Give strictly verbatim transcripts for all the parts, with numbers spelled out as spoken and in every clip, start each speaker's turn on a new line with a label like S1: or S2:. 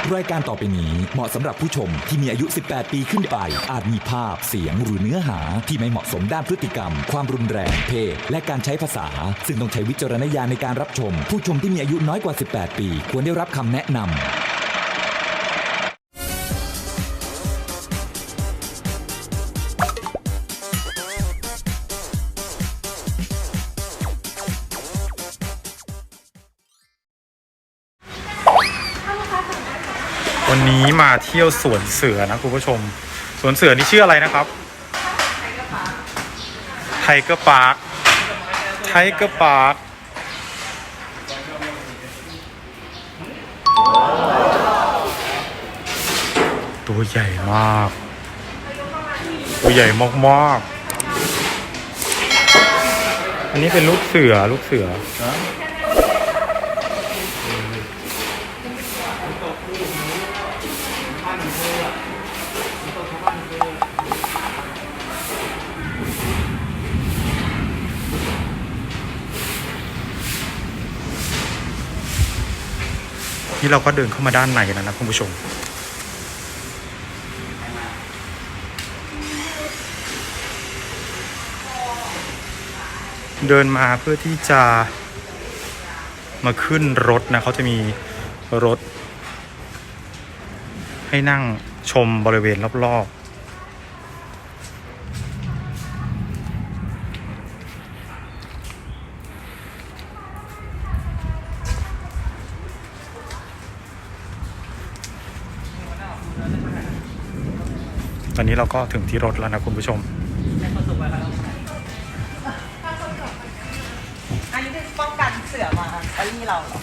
S1: รายการต่อไปนี้เหมาะสำหรับผู้ชมที่มีอายุ สิบแปด ปีขึ้นไปอาจมีภาพเสียงหรือเนื้อหาที่ไม่เหมาะสมด้านพฤติกรรมความรุนแรงเพศและการใช้ภาษาซึ่งต้องใช้วิจารณญาณในการรับชมผู้ชมที่มีอายุน้อยกว่า สิบแปด ปีควรได้รับคำแนะนำ
S2: วันนี้มาเที่ยวสวนเสือนะคุณผู้ชมสวนเสือนี่ชื่ออะไรนะครับไทเกอร์พาร์คไทเกอร์พาร์คตัวใหญ่มากตัวใหญ่มากๆอันนี้เป็นลูกเสือลูกเสือนี่เราก็เดินเข้ามาด้านในแล้วนะคุณผู้ชมเดินมาเพื่อที่จะมาขึ้นรถนะเขาจะมีรถให้นั่งชมบริเวณรอบๆตอนนี้เราก็ถึงที่รถแล้วนะคุณผู้ชม
S3: อันนี้คือป้องกันเสือมาตอนนี้เราเหรอ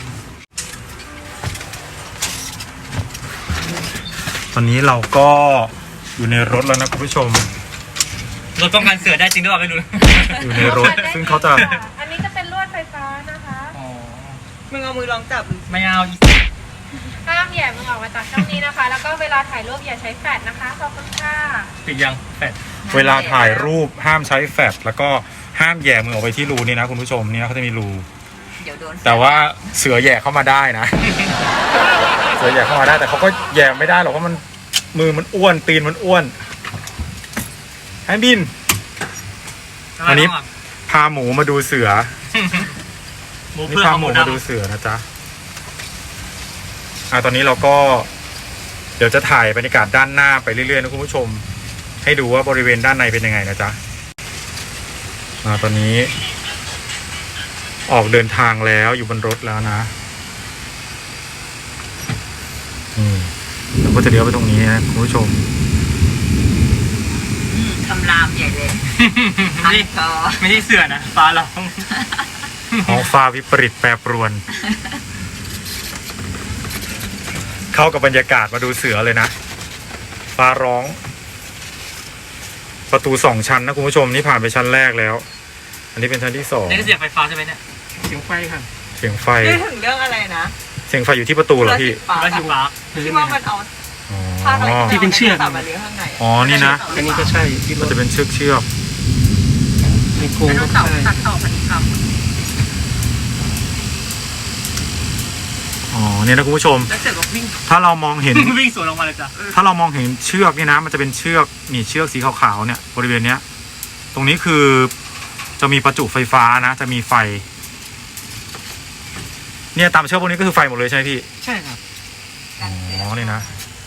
S2: ตอนนี้เราก็อยู่ในรถแล้วนะคุณผู้ชม
S4: รถป้องกันเสือได้จริงหรือเปล่าไม่รู้
S2: อยู่ในรถซึ่งเขาจะ
S5: อันนี้จะเป็นลวดไฟฟ้านะคะ
S4: อ๋อ
S3: มึงเอามือลองจับ
S4: ไม่เอาอีก
S5: ห้ามแย่มึงออกมาจากช่องนี้นะคะ แล้วก็เวลาถ่ายรูปอย่าใช้แฟลชนะคะขอบคุณค่ะ
S4: ปิดยังแฟด
S2: เวลาถ่ายรูปห้ามใช้แฟลชแล้วก็ห้ามแย่มือออกไปที่รูนี่นะคุณผู้ชมนี่เขาจะมีรู
S3: เดี๋ยวโดน
S2: แต่ว่าเสือแย่เข้ามาได้นะ เสือแย่เข้ามาได้แต่เขาก็แย่ไม่ได้หรอกเพราะมันมือมันอ้วนตีนมันอ้วนให้บินวันนี้พาหมูมาดูเสือนี่พาหมูมาดูเสือนะจ๊ะอ่าตอนนี้เราก็เดี๋ยวจะถ่ายบรรยากาศด้านหน้าไปเรื่อยๆนะคุณผู้ชมให้ดูว่าบริเวณด้านในเป็นยังไงนะจ๊ะอ่าตอนนี้ออกเดินทางแล้วอยู่บนรถแล้วนะอืมเราก็จะเลี้ยวไปตรงนี้นะคุณผู้ชม
S3: คำรามใหญ่เลย
S4: ไม่ได้ไม่ได้เสือนะฟ้าร้อง
S2: ท้องฟ้าวิปริตแปรปรวนเข้ากับบรรยากาศมาดูเสือเลยนะฟ้าร้องประตูสองชั้นนะคุณผู้ชมนี่ผ่านไปชั้นแรกแล้วอันนี้เป็นชั้นที่สอง
S4: นี่คือเสียงไฟฟ้าใช่ไหมเนี่ย
S2: เสียงไฟค่ะเสียงไฟ
S3: นี่ถึงเรื่องอะไรนะ
S2: เสียงไฟอยู่ที่ประตูเหรอพี่
S4: ไม่ใช่ฟ้า
S3: ที่ว่ามันเอาผ้าอะไรที่เป็นเชือกมาเลี้ยงข้างใน
S2: อ๋อนี่นะ
S4: อันนี้ก็ใช่
S2: มันจะเป็นเชือกเชือก
S4: มีโครงก็ใช่
S3: ตัดต่อพันธุกรรม
S2: อ๋อเนี่ยนะคุณผู้ชมถ้าเรามองเห็น
S4: วิ่งสวนออกมาเลยจ้ะ
S2: ถ้าเรามองเห็นเชือกนี่นะมันจะเป็นเชือกนี่เชือกสีขาวๆเนี่ยบริเวณเนี้ยตรงนี้คือจะมีประจุไฟฟ้านะจะมีไฟเนี่ยตามเชือกพวกนี้ก็คือไฟหมดเลยใช่ไหมพี่
S4: ใช่ครับ
S2: อ๋อนี่นะ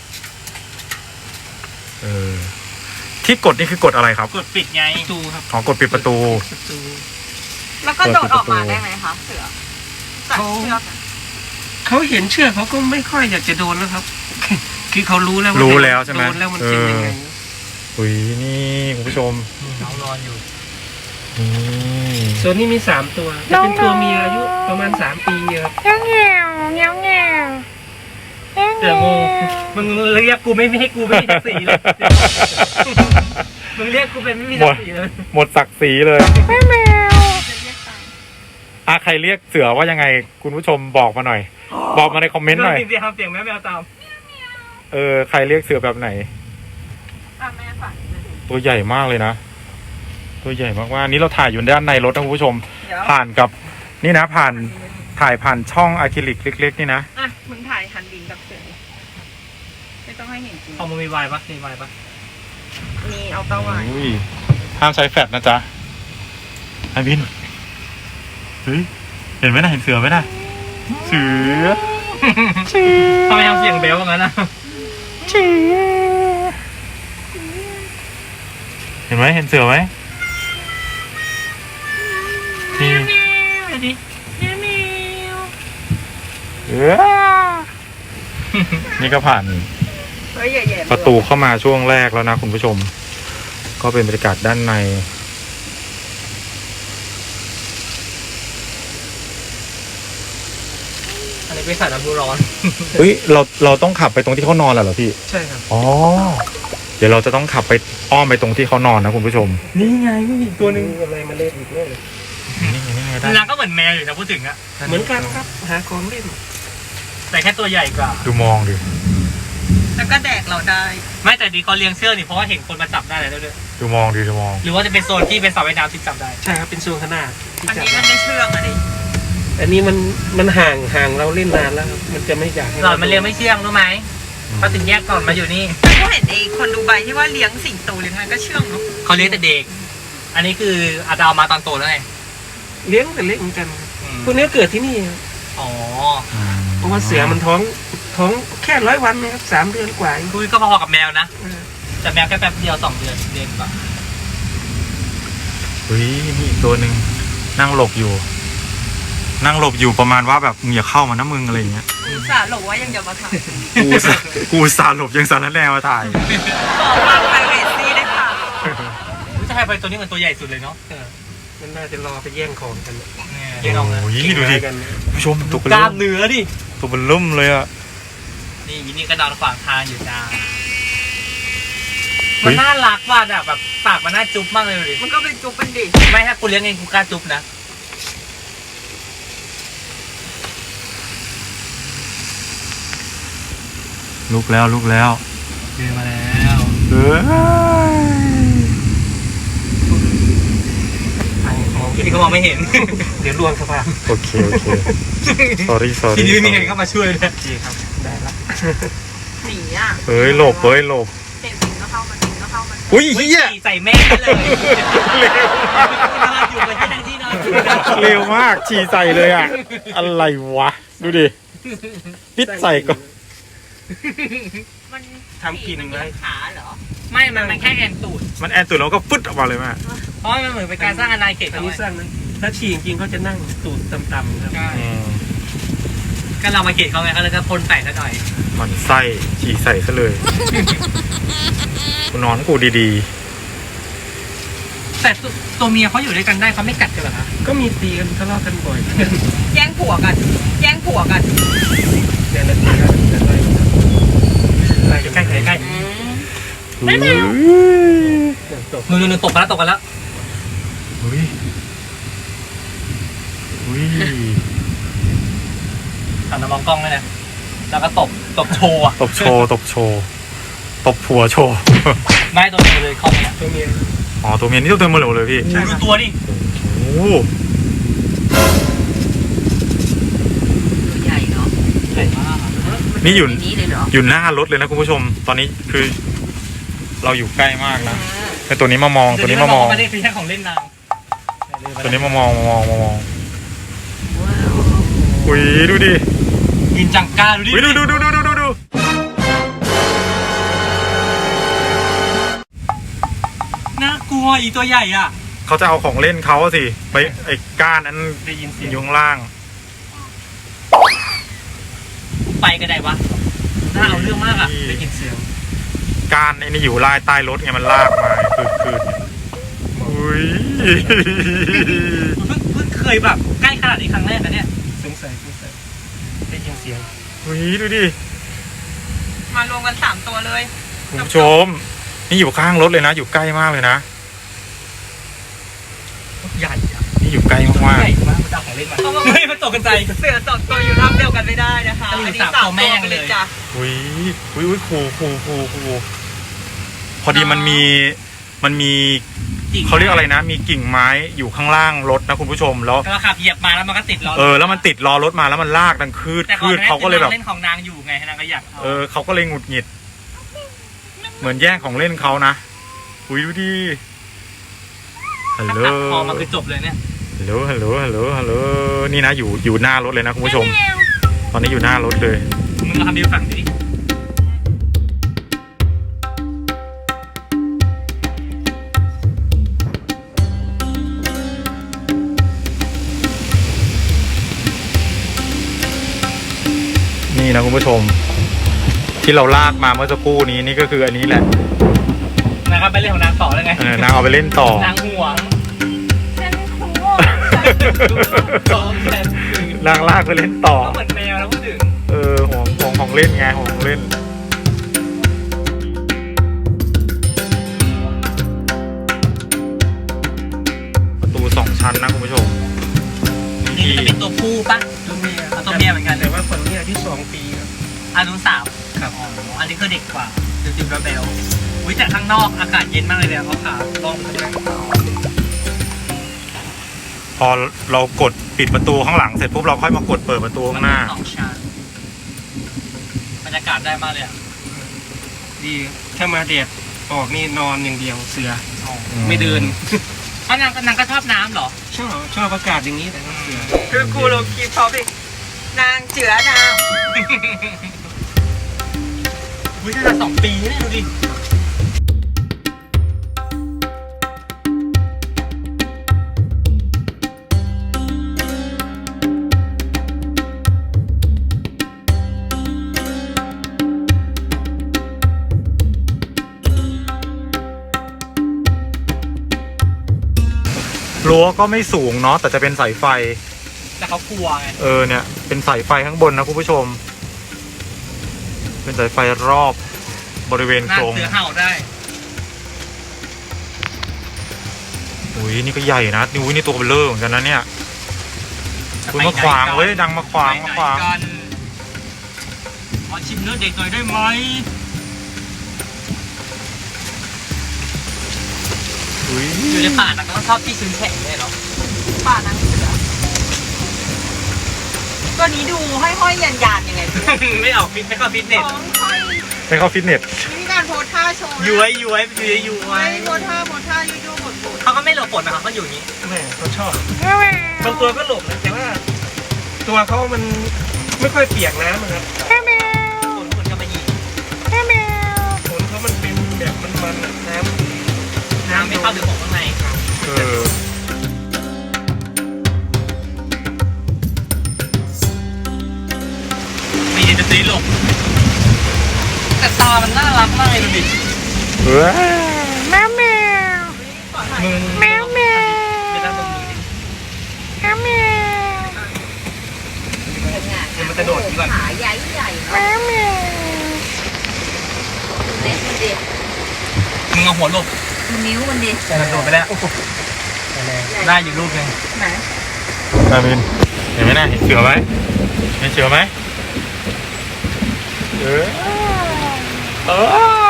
S2: เออที่กดนี่คือกดอะไรครับ
S4: กดปิดไงประตูครับ
S2: อ๋อกดปิดประตู
S3: แล้วก็โดดออกมาได้ไหมคะเสือจากเชือก
S4: เขาเห็นเชือกเขาก็ไม่ค่อยอยากจะโดนแล้วครับคือเขารู้แล้ว
S2: รู้แล้วใช่ไหม
S4: โดนแล้วมันเป็นยังไง
S2: อุ้ยนี่คุณผู้ชม
S4: น้องนอนอยู่
S2: ส่วน
S4: นี้มีสามตัวจะเป็นตัวเมียอายุประมาณสามปีครับ
S5: เงี้ยวเงี้ยวเงี้ยวเงี้ยว
S4: เดี๋ยวงูมึงเรียกกูไม่ให้กูไม่มีศักดิ์ศรีเลยมึงเรียกกูเป็นไม่มีศักดิ์ศรีเลย
S2: หมดศักดิ์ศรีเลย
S5: แม่แมว
S2: อ่ะใครเรียกเสือว่ายังไงคุณผู้ชมบอกมาหน่อยบอกมาในคอมเมนต์หน่อย
S4: จริงๆทำเสียงแม่แมวตาม
S2: เออใครเรียกเสือแบบไหนตัวใหญ่มากเลยนะตัวใหญ่มากๆนี่เราถ่ายอยู่ด้านในรถนะคุณผู้ชมผ่านกับนี่นะผ่านถ่ายผ่านช่องอะคริลิกเล็กๆนี่นะ
S3: อ่ะมึงถ่ายหันดินกับเสือต้องให้เห็นจริง
S4: เอามันมีวายปะมีวายปะ
S3: นี่เอาเต้าไว้
S2: อุ้ยห้ามใช้แฟลชนะจ๊ะไอ้บินเฮ้ยเห็นไหมนะเห็นเสือไหมนะเสือเสือ
S4: ทำไมทำเสียงเบลว่างั้นนะ
S2: เสือเห็นไหมเห็นเสือไหมนี่เออนี่ก็ผ่าน
S3: เฮ้ยใหญ่ๆ
S2: ประตูเข้ามาช่วงแรกแล้วนะคุณผู้ชม ก็เป็นบรรยากาศด้านใน
S4: อันนี้เป็นสายน้ำพุร้อน
S2: เฮ้ยเราเราต้องขับไปตรงที่เขานอนเหรอพี่
S4: ใช่ครับ
S2: อ๋อ เดี๋ยวเราจะต้องขับไปอ้อมไปตรงที่เขานอนนะคุณผู้ชม
S4: นี่ไงอีกตัวหนึ่ง
S5: อะไรมาเล่นอีกเลย
S2: นี่ไงนี่ไงได้
S4: นางก็เหมือนแมวอยู่นะพูดถึงอะ
S5: เหมือนกันครับหาของเล่น
S4: แต่แค่ตัวใหญ่กว่า
S2: ดูมองดิ
S3: แล้วก็แดกเราได้
S4: ไม่แต่ดีเขาเลี้ยงเชือกนี่เพราะว่าเห็นคนมาจับได้แล้วด้วย
S2: ดูมองดิดูมอง
S4: หรือว่าจะเป็นโซนที่เป็นสระว่ายน้ำที่จับได้
S5: ใช่ครับเป็นโซนขนาดที่
S3: อัน
S5: จับ
S3: นี้มันไม่เชื่องอะดิ
S5: อันนี้มันมันห่างห่างเราเล่นนานแล้วครับมันจะไม่อยากให้
S4: หลอดมันเลี้ยงไม่เชื่องรู้ไหมเขาถึงแยกก่อนมาอยู่นี่
S3: ก็เห็นไอ้คนดูใบที่ว่าเลี้ยงสิงโตเลี้ยงอะไรก็เชื่องเนาะ
S4: เขาเลี้ยงแต่เด็ก อันนี้คืออาจจะเอามาตอนโตแล้วไง
S5: เลี้ยงแต่เล็กเหมือนกันครับ
S4: อืม
S5: พวกนี้เกิดที่นี่ครับ
S4: อ๋อ
S5: เพราะว่าเสือมันท้องท้องแค่ร้อยวันนะครับสามเดือนกว่าเอง
S4: คุยก็พอๆกับแมวนะ
S5: เออ
S4: แต่แมวแค่แป๊บเดียวสองเดือนเด็กกว่า
S2: เฮ้ยมีอีกตัวหนึ่งนั่งหลบอยู่ นั่งหลบอยู่ประมาณว่าแบบมึงอย่าเข้ามานะมึงอะไรอย่างเงี้ย
S3: อุตส่าห์หลบว่ายังจะมาถ่าย
S2: กูสากูสาหลบยังสารแนวมาถ่าย
S3: ขอวางไพรเวซีได้ค่ะ
S4: รู้จะให้ไปตัวนี้เหมือนตัวใหญ่สุดเลยเนาะ
S5: เออมันน่าจะรอไปแย่งของกัน
S4: เนี่ย
S2: โอ้
S4: เลี้ยงเอานะ
S2: ยดูดิ
S5: กัน
S2: ผู้ชมตัวเป็น
S4: กล้า
S2: ลุ่
S4: ม
S2: ม
S4: เนื้อดิ
S2: ตัวเป็นลุ่มเลยอ่ะ
S4: นี่ยินนี่ก็นอนขวางทางอยู่จ้า
S2: เฮ้
S4: มัน
S2: ย
S4: น่ารักว่ะอะแบบปากมันน่าจุ๊บมากเลยดูดิ
S3: มันก็เป็นจุ๊บเป็นดิ
S4: ไม่ถ้ากูเลี้ยงเองกูกล้าจุ๊บนะ
S2: ลุกแล้วลุกแล้ว
S4: เดินมาแล้ว
S2: เฮ้ย
S4: ที่เขามองไม่เห็น
S5: เดี๋ยวลวงสภาพ
S2: โอเคโอเค sorry sorry
S4: ทีนี้ไม่มีใครเข้ามาช่วยเลย
S5: ดีครับได้ละ
S3: หนีอ่ะ
S2: เฮ้ยหลบเฮ้ยหลบ
S3: เห็นสิงก็เข้ามาสิงก็เข้ามา
S2: อุ้ยเฮีย
S4: ใส่แม่เลย
S2: เร็ว
S4: นอนอยู่กับที่นั่งที่นอนอยู่นะ
S2: เร็วมากฉี่ใส่เลยอ่ะ อะไรวะ ดูดิปิดใส่ก่อน
S3: มัน
S5: ทำกิน
S3: มัน
S5: ไว้
S3: เลี้ยงขาเหรอ
S4: ไม่ มันมันแค่แอนตูด
S2: มันแอนตุดแล้วก็ฟึดออกมาเลยแม่
S4: เพราะมันเหมือนเป็นการสร้างอาณาเขต
S5: อัน
S4: เขา
S5: นี้สร้างนะถ้าฉี่จริงๆเขาจะนั่งตูดต่ำๆครับ
S4: ใช่ก็เรามาเขตเขาไงเขาเลยก็พ่นใส่ซะหน่อย
S2: หมันไส้ฉี่ใส่ซะเลยกูนอนกูดี
S4: แต่ตัวตัวเมียเขาอยู่ด้วยกันได้เขาไม่กัดกันเหรอคะ
S5: ก็มีตีกันทะเลาะกันบ่อย
S3: แย่งผัวกัน แย่งผัวกัน
S5: แต่ละทีก็จะไล่ไล่
S4: ใกล้ใกล้ใกล้
S2: ๆไม่ไม่
S5: ตก
S4: นู่นนู่นตกกันแล้วตกกันแล้ว
S2: อุ้ยอุ้ย
S4: หันมามองกล้องเลยนะแล้วก็ตบตบโชว์อะ
S2: ตบโชว์ตบโชว์ตบผัวโชว์
S4: ไม่ตัวเดียวเลยเข้าไปเนี่ย
S5: ตัวเมีย
S2: อ๋อตัวเมียนี่ตัวเต็มหมดเลยพี่
S4: ดูตัวดิ
S2: โอ้โห
S3: ตัวใหญ่เนาะ
S4: ใหญ่มาก
S2: นี่อยู่
S3: ในนี้เลยเหรอ
S2: อยู่หน้ารถเลยนะคุณผู้ชม ตอนนี้คือ เราอยู่ใกล้มากนะแต่ตัวนี้มามองตัวนี้มามอง
S4: ไม่ได้คือแค่ของเล่นนาง
S2: ตัวนี้มามองมามองมามองอุ้ยดูดิ
S4: กินจังก้าดูดิ
S2: อุ้ยดูดูดูดูดูดูดู
S4: น่ากลัวอีตัวใหญ่อ่ะ
S2: เขาจะเอาของเล่นเขาอะสิไปไอ้ก้านนั้น
S5: ได้ยินเสียง
S2: อยู่ข้างล่าง
S4: ไปกันได้วะน่าเอาเรื่องมากอ่ะ
S5: ได้ยินเสียง
S2: ก้านไอ้นี่อยู่ลายใต้รถไงมันลากมาคือคืออุ้ย
S4: เพิ่งเพิ่งเคยแบบใกล้ขนาดนี้ครั้งแรกนะเนี่ย
S5: สงสัยสงสัยได้ยินเสียง
S2: อุ้ยดูดิ
S3: มารวมกันสามตัวเลย
S2: คุณผู้ชม นี่อยู่ข้างรถเลยนะ อยู่ใกล้มากเลยนะ
S4: ใหญ่อะ
S2: นี่อยู่ใกล้มาก
S4: ใหญ่มากมันจะเอาของเล่นมาเฮ้ยมันตกกันใจ
S3: เสือสองตัวอยู่ร่างเดียวกันไม่ได้นะคะ
S4: อันนี้
S3: อันนี้
S4: สาม
S3: สาม
S4: ตัวแม่
S3: ตัว
S4: ง
S3: ไป
S4: เลย
S3: เลยจ้ะ
S2: ๆอุ้ยอุ้ยอุ้ยคูคูคูคูพอดีมันมีมันมีเขาเรียกอะไรนะ มีกิ่งไม้อยู่ข้างล่างรถนะคุณผู้ชมแล้ว
S4: ก็ขับเหยียบมาแล้วมันก็ติดล้อ
S2: เออแล้วมันติดล้อรถมาแล้วมันลากดังคืด
S4: แต่
S2: คืดเขาก็เลยแบบ
S4: เล่นของนางอยู่ไงนางก็อยากเอา
S2: เออเขาก็เลยหงุดหงิดเหมือนแย่งของเล่นเขานะอุ้ยดูดิฮัลโหล
S4: ตัดคอมาคือจบเลยเนี่ย
S2: ฮัลโหลฮัลโหลฮัลโหลฮัลโหลนี่นะอยู่อยู่หน้ารถเลยนะคุณผู้ชม ตอนนี้อยู่หน้ารถเลย
S4: มึงมาทำดีฝั่งดิ
S2: นี่นะคุณผู้ชม ที่เราลากมาเมื่อสักครู่นี้นี่ก็คืออันนี้แหละ
S4: นะครับไปเล่นของนางต่อเลยไง
S2: เออนางเอาไปเล่นต่อน
S4: างห่วง
S3: ฉันครู
S4: สองแสน
S2: นางลากไปเล่นต่อ
S4: ก็เหมือนแมวนะพูดถึง
S2: เออห่วงห่วงของเล่นไงห่วงของเล่น ประตูสองชั้นนะคุณผู้ชม
S4: นี่
S2: ที่
S4: จะเป็นตัวผู้ปะตัวเมียตัวเมียเหมือนกัน
S6: แต่ว่าคนนี้อายุสองปีครับ
S4: อันนู้นสาวครับอ๋ออันนี้คือเด็กกว่าจิ๋วจิ๋วระเบลอุ้ยแต่ข้างนอกอากาศเย็นมากเลยเนี่ยเขาขาล่องเลย
S2: พอเรากดปิดประตูข้างหลังเสร็จปุ๊บเราค่อยมากดเปิดประตูข้างหน้า
S4: สองชั้นบรรยากาศได้มากเลยอ่ะ
S6: ดีถ้ามาแดดออกนี่นอนอย่างเดียวเสือ
S4: อ๋อ
S6: ไม่เดิน
S4: อ่ะนางก็นางก็ชอบน้ำเหรอ
S6: ชอบชอบอากาศอย่างนี้แต่ว่าเสือ
S3: คือกูลงคลิปเขาดินางเจือนาง
S4: อุ้ยน่าจะสองปีนี่ดูดิ
S2: รั้วก็ไม่สูงเนาะแต่จะเป็นสายไฟ
S4: แต่เขากลัวไง
S2: เออเนี่ยเป็นสายไฟข้างบนนะคุณผู้ชม เป็นสายไฟรอบบริเวณ
S4: หน้า
S2: โครง
S4: เสือเห่าได้
S2: อุ้ยนี่ก็ใหญ่นะนี่อุ้ยนี่ตัวเบลเลอร์เหมือนกันนะเนี่ยคุณมาขวางเว้ยดังมาขวางมาขวาง
S4: ไปไหนกันขอชิมเนื้อเด็กหน่อยได้ไหม
S2: อุ้ย
S4: อยู่ในป่านะก็ต้องชอบที่ชื้นแข็งเลยเนาะ
S3: ป่านางเสือตัวนี้ดูห้อยๆยันยานๆยังไงพี่
S4: ไม่ออกฟิตไม่เข้าฟิตเนส
S3: ท้องค่อย
S2: ไปเข้าฟิตเนส
S3: วิธีการโพสท่าโชว์นะ
S4: ย้วยย้วยย้วยย้ว
S3: ไว้
S4: ย
S3: โพสท่าโพสท่ายูยูบดบด
S4: เขาก็ไม่หลบฝนนะครับเขาอยู่อย่างนี้
S6: แม่เขาชอบบางตัวก็หลบนะแต่ว่า ตัวเขามันไม่ค่อยเปียกน้ำนะครับ
S4: ฝนฝนจะมายิง
S6: ขนเขามันเป็นแบบมันๆอะน้ำ
S4: น้ำไม่เข้าถึงของข้างใน
S2: เออ
S4: มีเดนซีหลบแต่ตามันน่ารักมากเลยดูดิ
S2: เออ
S4: มึงแมวแมวไม่ได้ตรงมือดิ
S6: เดี๋ยวมันจะโดดดีกว่า
S3: ขาใหญ่ใหญ่เนาะเล็กมันดิ
S4: มึงเอาหัวหลบ
S3: มันนิ้วมันดิ
S4: แต่มันโดดไปแล้วได้อยู่ลูกนึง
S3: ไหน
S2: นามินเห็นไหมนะเห็นเสือไหมเห็นเสือไหมเออเออ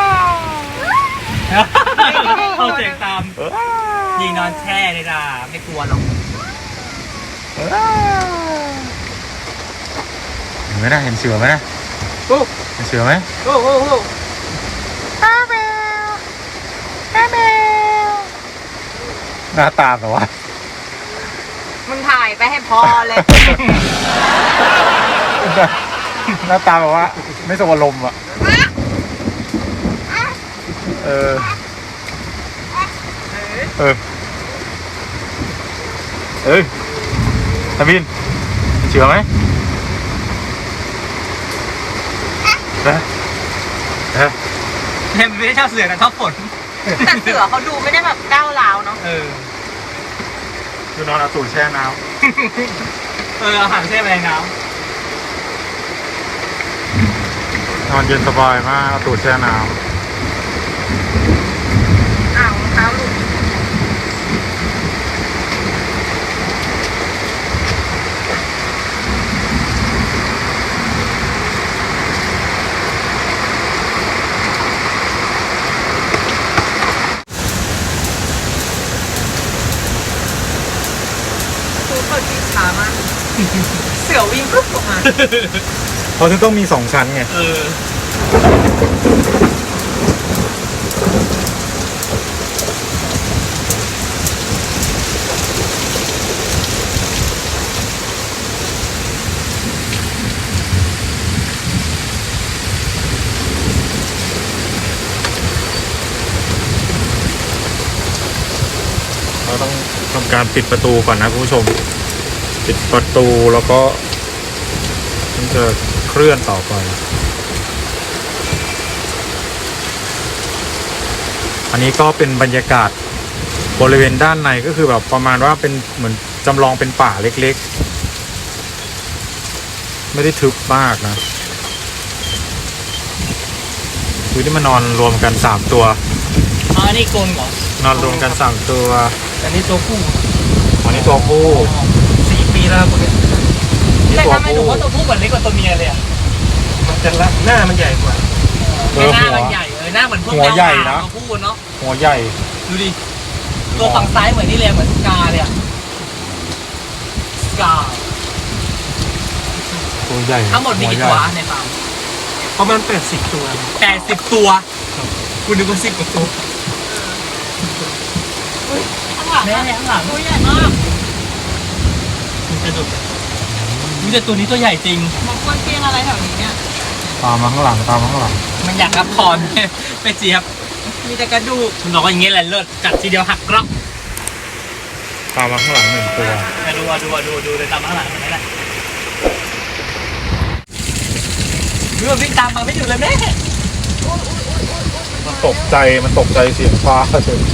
S4: เข้าเสียงตาม
S2: เออ
S4: ยิงนอนแช่เลยนะไม่กลัวหรอก
S2: เออเห็นไหมนะเห็นเสือไหมนะ
S6: โอ้
S2: เห็นเสือไหม
S6: โอ้โอ้โอ้
S2: หน้าตาแบบว่า
S3: มึงถ่ายไปให้พอเลย
S2: หน้าตาแบบว่า ไม่สวรมณ์อ่ะเออเออเอ้ยตาบินเชื่อไหมนะนะ
S4: เห็นไม่ได้ชอบเสือนะชอบฝน
S3: แต่เสือเขาดูไม่ได้แบบก้าวร้าวเนาะ
S4: เออ
S2: คือนอนเอาตูดแช่น้
S4: เอออาหารแช่ไปในน้
S2: ำนอนเย็นสบายมากเอาตูดแช่น้
S3: อ้าวรองเท้าหลุด คือเขาที่ช้ามาก เสือวิ่งปุ๊บออกมา
S2: ำเขาถึงต้องมีสองชั้นไง
S4: ำเออ
S2: ต้องทำการปิดประตูก่อนนะคุณผู้ชม ปิดประตูแล้วก็มันจะเคลื่อนต่อไป อันนี้ก็เป็นบรรยากาศบริเวณด้านในก็คือแบบประมาณว่าเป็นเหมือนจำลองเป็นป่าเล็กๆ ไม่ได้ทึบมากนะคือที่มานอนรวมกันสามตัว
S4: อ๋ออันนี้กลนเหรอน
S2: อนรวมกันสามตัว
S6: อันนี้ตัวผู้
S2: อันนี้ตัวผู้
S6: สี่ปีแล้วพวกเนี้ย
S2: นี่
S4: แต่
S2: ตัว
S4: ทำไมหนู
S2: ผู้
S4: ว่าตัวผู้เหมือนเล็กกว่าตัวเมียเลยอ่ะ
S6: มันจะละหน้ามันใหญ่กว่า
S2: เออ
S4: หน้า
S2: หัว
S4: มันใหญ่เออหน้าเหมือนพวก
S2: หัวใหญ่นะ
S4: ตัวผู้เนาะ
S2: หัวใหญ่
S4: ดูดิตัวฝั่งซ้ายเหมือนนี่เลยเหมือนสกาเลยอ่ะสกา
S2: ตัวใหญ่
S4: ทั้งหมดมีกี่ตัวในฟาร์ม
S6: ประมาณแปดสิบตัว
S4: แปดสิบตัวคุณนึกว่าสิบกว่าตัว
S3: ข้างหลัง
S4: แม่
S3: อะ
S4: ข้างหลัง
S3: ตัวใหญ่มาก
S4: มันจะดุมีแต่ตัวนี้ตัวใหญ่จริง
S3: มันควรเตียงอะไรแถวนี้เนี่ย
S2: ตามมาข้างหลังตามมาข้างหลัง
S4: มันอยากรับพร ไปเจี๊ยบ มีแต่กระดูกมันบอกว่าอย่างเงี้ยแหละเลิศจัดทีเดียวหักกรอบ
S2: ตามมาข้างหลังหนึ่งตัว
S4: มาดูอ่ะดูอ่ะดูดูเลยตามมาข้างหลังนี่แหละดูมันวิ่งตามมาไม่หยุดเลยแม่
S2: มันตกใจมันตกใจเสียงฟ้าเฉย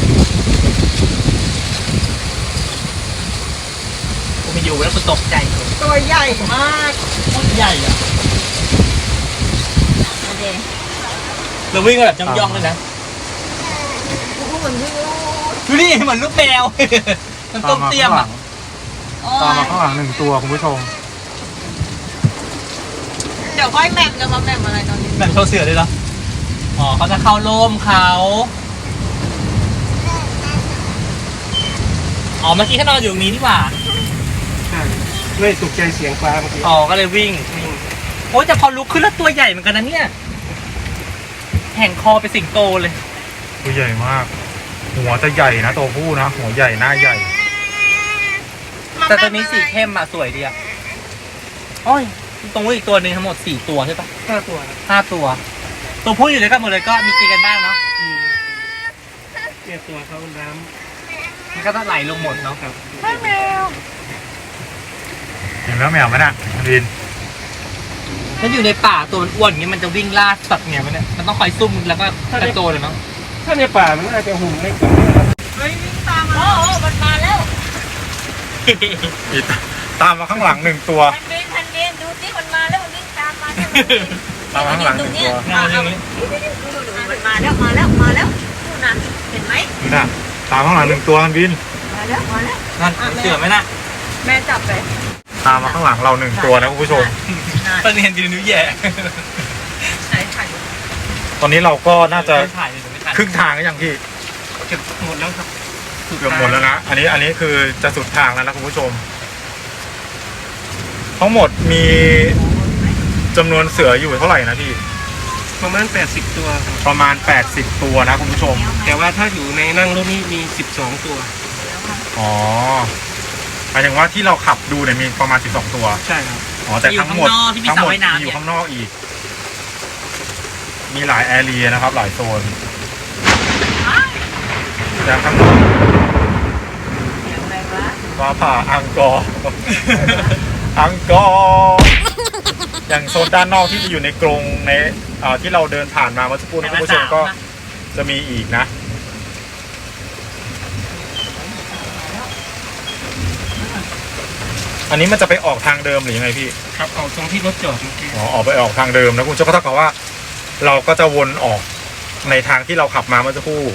S4: กูไม่อยู่แล้วกูตกใจเลย
S3: ตัวใหญ่มาก
S4: โคตรใหญ่อ่ะ
S3: โอเค
S4: เราวิ่งกันแบบย่องๆเลยนะ
S3: เหมือนวิ่งลูด
S4: ดูดิเหมือนลูกแมว มันต้มเตี้ยมอ่ะ
S3: โอ้
S2: ตาม
S3: ย
S2: มาข้างหลังหนึ่งตัวคุณผู้ชม
S3: เดี๋ยวค่อยแมมจะมาแมมอะไรตอนนี้
S4: แบบโชว์เสือเลยเหรอ อ๋อเขาจะเข้าร่มเขาอ๋อเมื่อกี้เขานอนอยู่ตรงนี้นี่หว่า
S6: ใช่เลยตกใจเสียงฟ้าเมื่อกี้
S4: อ๋อก็เลยวิ่ง
S6: วิ่ง
S4: โอ้ยแต่พอลุกขึ้นแล้วตัวใหญ่เหมือนกันนะเนี่ยแห่งคอไปนสิงโตเลย
S2: ตัวใหญ่มาก หัวจะใหญ่นะตัวผู้นะหัวใหญ่หน้าใหญ่
S4: แต่ตัวนี้สีเข้มอะสวยดีอะโอ้ยตรงนู้นอีกตัวหนึ่งทั้งหมดสี่ตัวใช่ปะ
S6: ห้าตัวครับ
S4: ห้าตัว ตัวผู้อยู่ด้วยกันหมดเลยก็มีตีกันบ้างเนาะ
S6: อืมเนี่ยตัวเขาน้
S4: มันก็ต้องไหลลงหมดเนาะ
S6: ำครับ
S2: เห็นแล้วแมวไหมน่ะดิน
S4: ถ้าอยู่ในป่าตัวมันอ้วนอย่างเงี้ยมันจะวิ่งล่าสัตว์ไงมันเนี่ยมันต้องคอยซุ่มแล้วก็กระโจนเลยเนาะ
S6: ถ้าในป่ามันน่าจะหุ่นเล็กกว่านี้นะครับ
S3: เฮ้ยวิ่งตามมาโอ้โหมันมาแล้ว
S2: อีกตามมาข้างหลังหนึ่งตัว
S3: พันเดนพันเดนดูสิมันมาแล้วมันวิ่งตามมาเนี่ย
S2: ตามมาข้างหลังหนึ่งตัว
S4: เงาอย่างนี้
S3: มันมาแล้วมาแล้วมาแล้วนู่นน่ะเห็นไหม
S2: นี่น่ะตามข้างหลังหนึ่งตัวฮันบิน
S3: มาแล้วมาแล้ว
S4: นั่นเสือไหมน่ะ
S3: แม่จับไป
S2: ตามมาข้างหลังเราหนึ่งตัวนะคุณผู้ชม
S4: ตอนนี้เห็นดีนิ้วแย่
S3: ใช่ถ่าย
S2: ตอนนี้เราก็น่าจะ
S4: ถ่ายเลยเดี๋ยวไม่ทัน
S2: ครึ่งทางก็ยังพี่
S6: เก็บหมดแล้วครับ
S2: เกือบหมดแล้วนะ อันนี้อันนี้คือจะสุดทางแล้วนะคุณผู้ชม ทั้งหมดมีจำนวนเสืออยู่เท่าไหร่นะพี่
S6: ประมาณแปดสิบตัวครับ
S2: ประมาณแปดสิบตัวนะคุณผู้ชม
S6: แต่ว่าถ้าอยู่ในนั่งรถนี่มีสิบสองตัว
S2: อ๋อหมายถึงว่าที่เราขับดูเนี่ยมีประมาณสิบสองตัว
S6: ใช่ครับ
S2: อ๋อแต่ทั้งหมด
S4: ที่มี
S2: ทั้ง
S4: สระ
S2: หมด
S4: ว่ายน้ำ
S2: มีอ
S4: เนี่
S2: ยู่
S4: ย
S2: ข้างนอกอีก มีหลายแอเรียนะครับ หลายโซนแต่ข้างนอก
S3: อะไรวะ
S2: ฟ้าผ่าอังกอร์ อังกอร์อย่างโซนด้านนอกที่จะอยู่ในกรงในเอ่อที่เราเดินผ่านมาเมื่อสักครู่นี้คุณผู้ชมก็จะมีอีกนะ อันนี้มันจะไปออกทางเดิมหรือยังไงพี่
S6: ครับเอาตรงที่รถจอดเมื่อกี้
S2: อ๋อออกไปออกทางเดิมนะคุณผู้ชมก็เท่ากับว่า เราก็จะวนออกในทางที่เราขับมาเมื่อสักครู่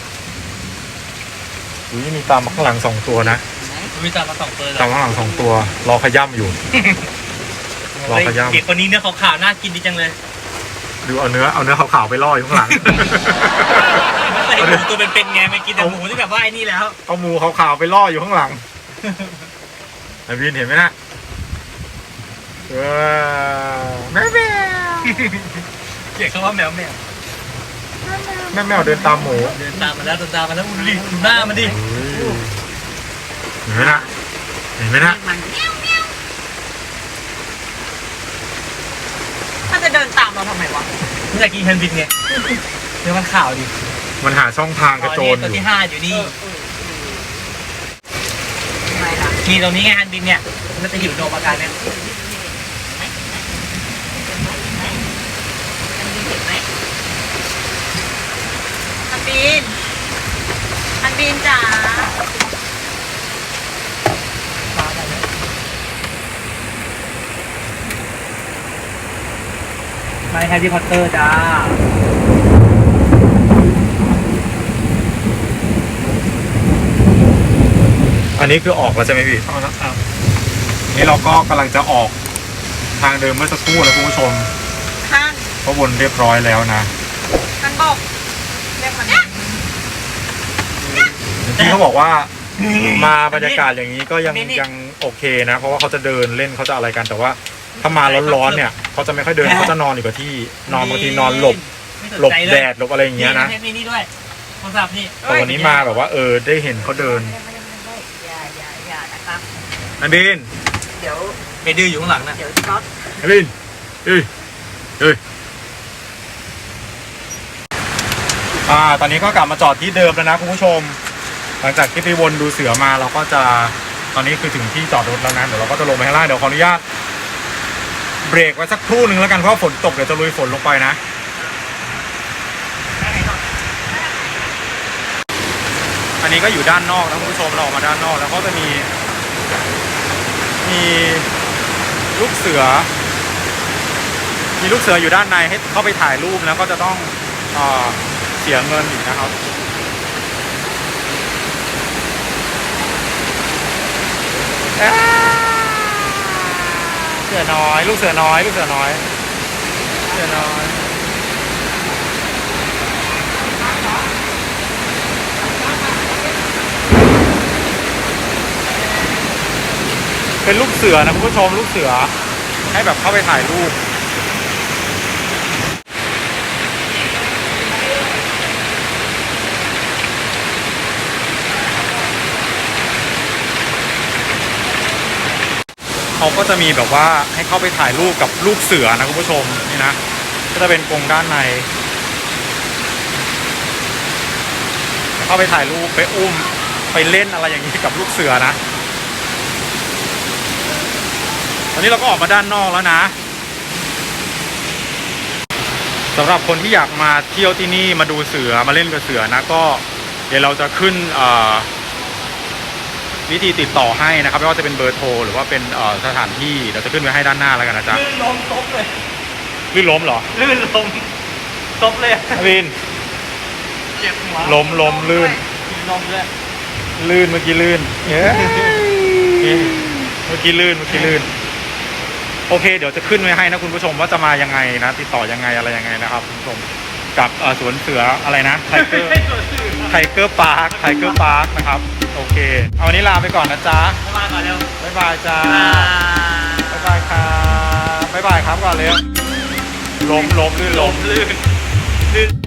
S2: อุ้ยมีตามมาข้างหลังสองตัวนะ
S4: มีตามมาสองตัวเลย
S2: ตามมาข้างหลังสองตัว รอขย่ำอยู่ รอขย้ำ
S4: เด็กคนนี้เนื้อขาวๆน่ากินดีจังเลย
S2: ดูเอาเนื้อเอาเนื้อขาวๆไปล่ออยู่ข้างหลัง
S4: ใส่หมูตัวเป็นๆไงไม่กินแต่หมูที่แบบว่าไอ้นี่แล้ว
S2: เอาหมูขาวๆไปล่ออยู่ข้างหลัง ไอวินเห็นไหมนะเออแม่แมว
S4: เรียกเขาว่าแมวแมว
S2: แม่แมวเดินตามหมู
S4: เดินตามมาแล้วเดินตามมาแล้วดูดิดูหน้ามันดิ
S2: เห็นไหมนะเห็นไหมนะ
S3: มันเมี้ยวเมี้ยวถ้าจะเดินตามเราทำไมวะ
S4: มันอยากกินแฮนด์บินไงเดี๋ยวมันข่าวดิ
S2: มันหาช่องทางกระโจน
S4: ตัว
S2: อยู่
S4: ที่ห้าอยู่นี่มีตรงนี้ไงฮันบินเนี่ยมันจะอยู่โดมอาการเนี่ย
S3: ฮันบินฮันบินจ๋า
S4: ไม่แฮร์รี่พอตเตอร์จ้า
S2: อันนี้คือออกแล้วใช่ไหมพี่
S6: เอาละครับ
S2: นี่เราก็กำลังจะออกทางเดิมเมื่อสักครู่นะคุณผู้ชม
S3: ข้าง
S2: เพราะวนเรียบร้อยแล้วนะ
S3: ข้างบกเรียกมัน
S2: ที่เขาบอกว่ามาบรรยากาศอย่างนี้ก็ยังยังโอเคนะ เพราะว่าเขาจะเดินเล่นเขาจะอะไรกันแต่ว่าถ้ามาร้อนๆเนี่ยเขาจะไม่ค่อยเดินเขาจะนอนอยู่กับที่นอนบางทีนอนหลบหลบแดดหลบอะไรอย่างเงี้ยนะ
S4: มีนี่ด้วยโทรศัพท์นี่
S2: แต่วันนี้มาแบบว่าเออได้เห็นเขาเดิน
S3: อย่าอย่าอย่านะครับ
S2: นันบิน
S3: เดี๋ยว
S4: เมดื้ออยู่ข้างหลังนะ
S3: เดี๋ยวช็อต
S2: นันบินเอ้ยเอ้ยอ่าตอนนี้ก็กลับมาจอดที่เดิมแล้วนะคุณผู้ชม หลังจากที่ไปวนดูเสือมาเราก็จะตอนนี้คือถึงที่จอดรถแล้วนะเดี๋ยวเราก็จะลงไปข้างล่างเดี๋ยวขออนุญาตเบรกไว้สักครู่หนึ่งแล้วกันเพราะฝนตกเดี๋ยวจะลุยฝนลงไปนะอันนี้ก็อยู่ด้านนอกนะคุณผู้ชมเราออกมาด้านนอกแล้วก็จะมีมีลูกเสือมีลูกเสืออยู่ด้านในให้เข้าไปถ่ายรูปแล้วก็จะต้องเอ่อเสียเงินอีกนะครับเสือน้อยลูกเสือน้อยลูกเสือน้อยเสือน้อยเป็นลูกเสือนะคุณผู้ชมลูกเสือให้แบบเข้าไปถ่ายรูปเขาก็จะมีแบบว่าให้เข้าไปถ่ายรูปกับลูกเสือนะคุณผู้ชมนี่นะก็จะเป็นกรงด้านในเข้าไปถ่ายรูปไปอุ้มไปเล่นอะไรอย่างนี้กับลูกเสือนะตอนนี้เราก็ออกมาด้านนอกแล้วนะสำหรับคนที่อยากมาเที่ยวที่นี่มาดูเสือมาเล่นกับเสือนะก็เดี๋ยวเราจะขึ้นวิธีติดต่อให้นะครับไม่ว่าจะเป็นเบอร์โทรหรือว่าเป็นสถานที่เราจะขึ้นไว้ให้ด้านหน้าแล้วกันนะจ๊ะ
S4: ลื่นล้มซบเลย
S2: ลื่นล้มเหรอ
S4: ลื่นล้มซบเลย
S2: วิน
S4: เจ็บหัว
S2: ล้มล้มลื่น
S4: ล้มด้วย
S2: ลื่นเมื่อกี้ลื่นเย้เมื่อกี้ลื่นเมื่อกี้ลื่นโอเคเดี๋ยวจะขึ้นไว้ให้นะคุณผู้ชมว่าจะมายังไงนะติดต่อยังไงอะไรยังไงนะครับคุณผู้ชมกับสวนเสืออะไรนะไทเกอร์ไทเกอร์พาร์คไทเกอร์พาร์คนะครับโอเคเอาวันนี้ลาไปก่อนนะจ๊ะ
S4: มาก่อนเร็ว
S2: บ๊ายบายจ้าบ๊ายบายครับบ๊ายบายครับก่อนเร็วล้มล้มลื่นล้ม
S4: ลื่นลื่น